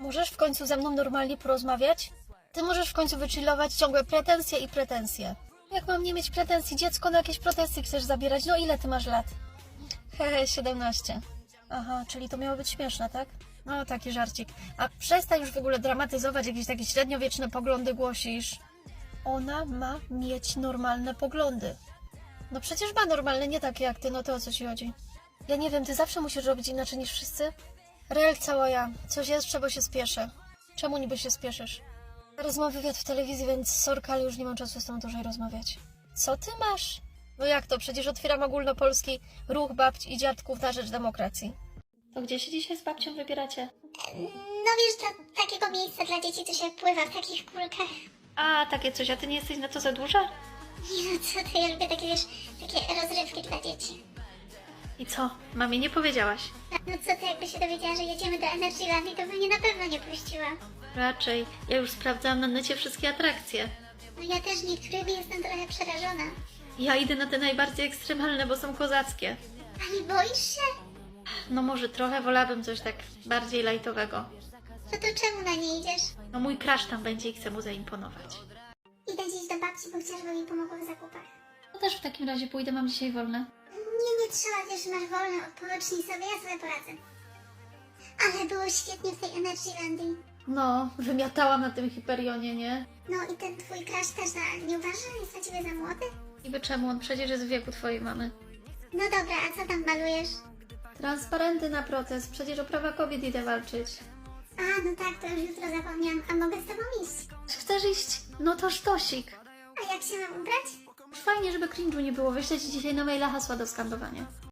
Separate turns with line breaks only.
Możesz w końcu ze mną normalnie porozmawiać? Ty możesz w końcu wychillować ciągłe pretensje i pretensje. Jak mam nie mieć pretensji? Dziecko na jakieś pretensje chcesz zabierać? No ile ty masz lat? Hehe, 17. Aha, czyli to miało być śmieszne, tak? No, taki żarcik. A przestań już w ogóle dramatyzować, jakieś takie średniowieczne poglądy głosisz. Ona ma mieć normalne poglądy. No przecież ma normalne, nie takie jak ty, no to o co ci chodzi? Ja nie wiem, ty zawsze musisz robić inaczej niż wszyscy? Rel cała ja. Coś jest, czego się spieszę. Czemu niby się spieszysz? Teraz mam wywiad w telewizji, więc sorka, ale już nie mam czasu z tą dłużej rozmawiać. Co ty masz? No jak to? Przecież otwieram ogólnopolski ruch babci i dziadków na rzecz demokracji. To gdzie się dzisiaj z babcią wybieracie?
No wiesz, do takiego miejsca dla dzieci, co się pływa w takich kulkach.
A, takie coś, a ty nie jesteś na to za duża?
Nie no, co ty, ja lubię takie, wiesz, takie rozrywki dla dzieci.
I co? Mamie nie powiedziałaś?
No co ty, jakby się dowiedziała, że jedziemy do Energylandii, to by mnie na pewno nie puściła.
Raczej. Ja już sprawdzałam na necie wszystkie atrakcje.
No ja też niektórymi jestem trochę przerażona.
Ja idę na te najbardziej ekstremalne, bo są kozackie.
A nie boisz się?
No może trochę wolałabym coś tak bardziej lajtowego.
No to czemu na nie idziesz?
No mój crush tam będzie i chcę mu zaimponować.
Idę dziś do babci, bo chcę, żeby mi pomogła w zakupach.
No też w takim razie pójdę, mam dzisiaj wolne.
Nie trzeba, wiesz, masz wolne, odpocznij sobie, ja sobie poradzę. Ale było świetnie w tej Energylandii.
No, wymiatałam na tym Hiperionie, nie?
No i ten twój crush też, nie uważasz, że jest dla ciebie za młody?
Niby czemu? On przecież jest w wieku twojej mamy.
No dobra, a co tam malujesz?
Transparenty na protest, przecież o prawa kobiet idę walczyć.
A, no tak, to już jutro zapomniałam, a mogę z tobą iść?
Chcesz iść? No to sztosik.
A jak się mam ubrać?
Fajnie, żeby cringe'u nie było. Wyślę ci dzisiaj na maila hasła do skandowania.